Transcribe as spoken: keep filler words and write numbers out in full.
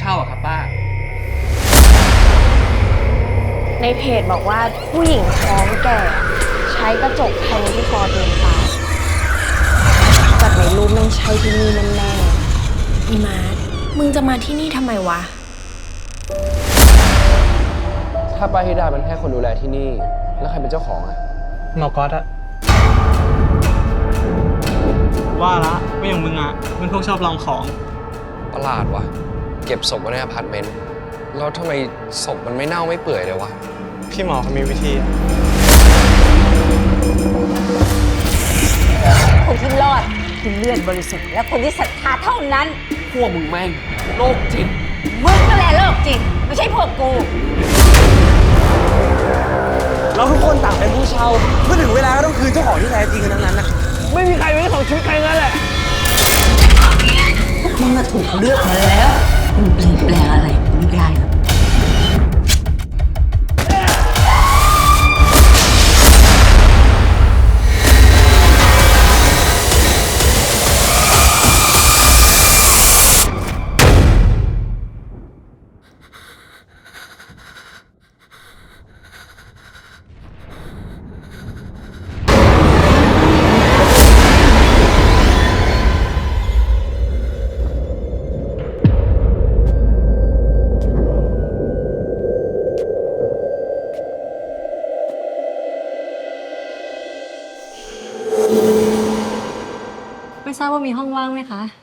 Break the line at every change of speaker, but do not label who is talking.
เช่าอะครับป้า
ในเพจบอกว่าผู้หญิงท้องแก่ใช้กระจกแทงที่คอตัวเองตายจากในรูปมันใช่ที่นี่แน่ๆอีมาร์ทมึงจะมาที่นี่ทำไมวะ
ถ้าป้าฮิดาเป็นแค่คนดูแลที่นี่แล้วใครเป็นเจ้าของอะ
หมอก๊อตอะว่าละไม่อย่างมึงอะมึงพวกชอบลองของ
ประหลาดว่ะเก็บศพไว้ในอพาร์ตเมนต์แล้วทำไมศพมันไม่เน่าไม่เปื่อยเลยวะ
พี่หมอเขามีวิธี
คนที่รอดคือเลือดบริสุทธิ์และคนที่ศรัทธาเท่านั้น
พวกมึงแม่งโรคจิต
มึงก็แหละโรคจิตไม่ใช่พวกกู
เราทุกคนต่างเป็นผู้เช่าเมื่อถึงเวลาก็ต้องคืนเจ้าของที่แท้จริงกันทั้งนั้นนะ
ไม่มีใครเป็นเจ้าของชีวิตใครงั้นแหละ
พวกมึงถูกเลือกมาแล้วมึงเปลี่ยนแปลงอะไรไม่ได้หรอก
ไม่ทราบว่ามีห้องว่างไหมคะ